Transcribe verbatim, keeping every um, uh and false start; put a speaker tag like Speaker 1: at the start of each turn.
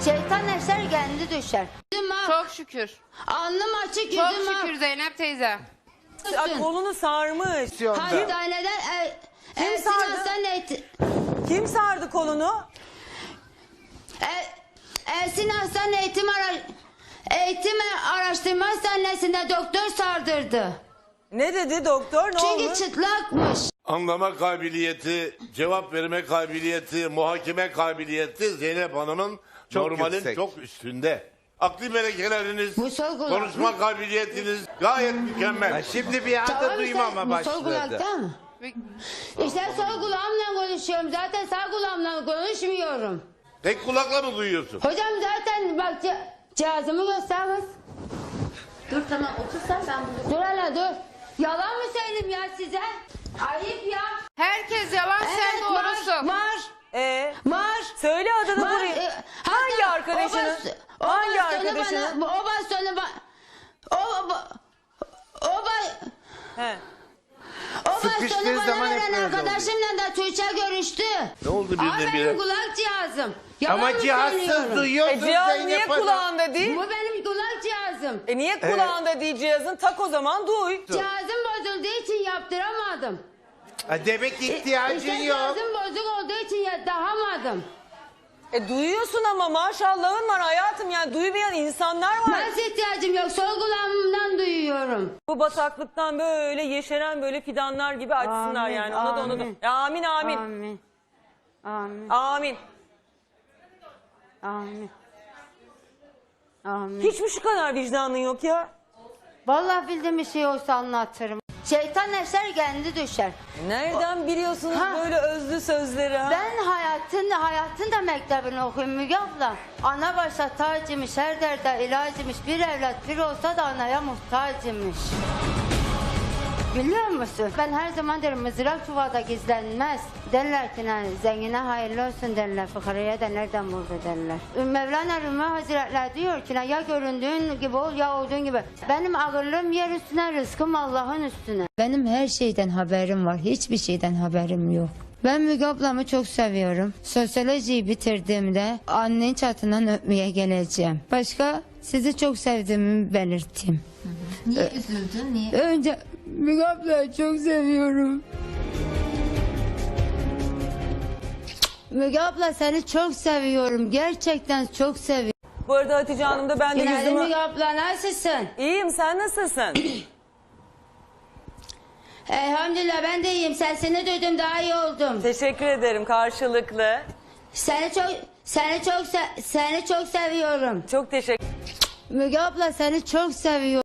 Speaker 1: Şeytan eser kendi düşer.
Speaker 2: Çok şükür.
Speaker 1: Alnım açık, yüzüm
Speaker 2: Çok
Speaker 1: ak.
Speaker 2: şükür Zeynep teyze.
Speaker 3: Ay, kolunu sarmış.
Speaker 1: Hastaneden e,
Speaker 3: Kim
Speaker 1: Ersin
Speaker 3: sardı?
Speaker 1: Hastane
Speaker 3: Kim sardı kolunu?
Speaker 1: e, Ersin Hastane Eğitim, Ara, Eğitim Araştırma Hastanesi'nde doktor sardırdı.
Speaker 3: Ne dedi doktor? Ne
Speaker 1: Çünkü
Speaker 3: olmuş?
Speaker 1: çıtlakmış.
Speaker 4: Anlama kabiliyeti, cevap verme kabiliyeti, muhakeme kabiliyeti Zeynep Hanım'ın
Speaker 5: Çok
Speaker 4: normalin
Speaker 5: yüksek.
Speaker 4: çok üstünde. Akli melekeleriniz,
Speaker 1: Bu sol kulak
Speaker 4: konuşma
Speaker 1: mı?
Speaker 4: kabiliyetiniz gayet mükemmel.
Speaker 5: Ha, şimdi bir anda
Speaker 1: Tamam,
Speaker 5: duymama
Speaker 1: işte, bu sol
Speaker 5: başladı.
Speaker 1: kulakta mı? İşte sol kulağımla konuşuyorum. Zaten sağ kulağımla konuşmuyorum.
Speaker 4: Tek kulakla mı duyuyorsun?
Speaker 1: Hocam zaten bak ce- cihazımı göster kız.
Speaker 6: Dur tamam otursan ben bunu...
Speaker 1: Dur hele dur. Yalan mı söyleyeyim ya size? Ayıp ya.
Speaker 2: Herkes yalan, sen
Speaker 1: Evet,
Speaker 2: doğrusun.
Speaker 1: Var. Var.
Speaker 3: Ee,
Speaker 1: Var.
Speaker 3: söyle adını
Speaker 1: Var.
Speaker 3: buraya.
Speaker 1: E,
Speaker 3: Hangi
Speaker 1: hatta
Speaker 3: arkadaşının?
Speaker 1: o bas- o
Speaker 3: Hangi
Speaker 1: bastonu
Speaker 3: arkadaşının?
Speaker 1: Bana, o bastonu bana... O, o, o, ba-
Speaker 3: He.
Speaker 1: o bastonu
Speaker 5: Sıkıştığı
Speaker 1: bana
Speaker 5: zaman hep
Speaker 1: veren
Speaker 5: böyle
Speaker 1: arkadaşımla da Tuğçe görüştü.
Speaker 4: Ne oldu
Speaker 1: Aa,
Speaker 4: birdenbire?
Speaker 1: benim kulak cihazım. Yalan
Speaker 5: Ama
Speaker 1: mı
Speaker 5: cihazsız
Speaker 1: söylüyorum?
Speaker 5: duyuyorsun
Speaker 3: E, cihaz
Speaker 5: Zeynep
Speaker 3: niye
Speaker 5: Hanım.
Speaker 3: kulağında değil?
Speaker 1: Bu benim kulak cihazım.
Speaker 3: E niye kulağında değil cihazın? Tak o zaman duy.
Speaker 1: Cihazım bozulduğu için yaptıramadım.
Speaker 5: Ha, demek
Speaker 1: İşte
Speaker 5: ihtiyacın yok.
Speaker 1: cihazım bozuk olduğu için yaptıramadım.
Speaker 3: E duyuyorsun ama maşallahın var hayatım, yani duymayan insanlar var.
Speaker 1: Nasıl ihtiyacım yok? Sol kulağımdan duyuyorum.
Speaker 3: Bu bataklıktan böyle yeşeren böyle fidanlar gibi açsınlar
Speaker 1: Amin,
Speaker 3: yani. Ona da ona da.
Speaker 1: amin.
Speaker 3: Ya, amin amin.
Speaker 1: Amin. Amin.
Speaker 3: Amin.
Speaker 1: Amin. Amin.
Speaker 3: Hiç mi şu kadar vicdanın yok ya?
Speaker 1: Vallahi bildiğim bir şey olsa anlatırım. Şeytan eser kendi düşer.
Speaker 3: Nereden biliyorsunuz
Speaker 1: Ha.
Speaker 3: böyle özlü sözleri ha?
Speaker 1: Ben hayatın hayatın da mektebini okuyayım Müge abla. Ana başta tacımış, her derde ilacımış. Bir evlat bir olsa da anaya muhtacımış. Biliyor musun? Ben her zaman derim mızrak çuvalda gizlenmez. Derler ki "Ne, zengine hayırlı olsun derler. Fıkaraya da nereden buldu derler. Mevlana Rumi Hazretleri diyor ki "Ne, ya göründüğün gibi ol ya olduğun gibi. Benim ağırlığım yer üstüne, rızkım Allah'ın üstüne. Benim her şeyden haberim var. Hiçbir şeyden haberim yok. Ben Müge ablamı çok seviyorum. Sosyolojiyi bitirdiğimde annenin çatından öpmeye geleceğim. Başka sizi çok sevdiğimi belirteyim.
Speaker 6: Niye üzüldün? Niye?
Speaker 1: Önce Müge ablayı çok seviyorum. Müge abla seni çok seviyorum. Gerçekten çok seviyorum.
Speaker 3: Bu arada Hatice Hanım da ben de
Speaker 1: Günaydın
Speaker 3: yüzümü...
Speaker 1: Müge abla, nasılsın?
Speaker 3: İyiyim, sen nasılsın?
Speaker 1: Elhamdülillah ben de iyiyim. Sesini duydum, daha iyi oldum.
Speaker 3: Teşekkür ederim karşılıklı.
Speaker 1: Seni çok seni çok se- seni çok seviyorum.
Speaker 3: Çok teşekkür
Speaker 1: Müge abla seni çok seviyorum.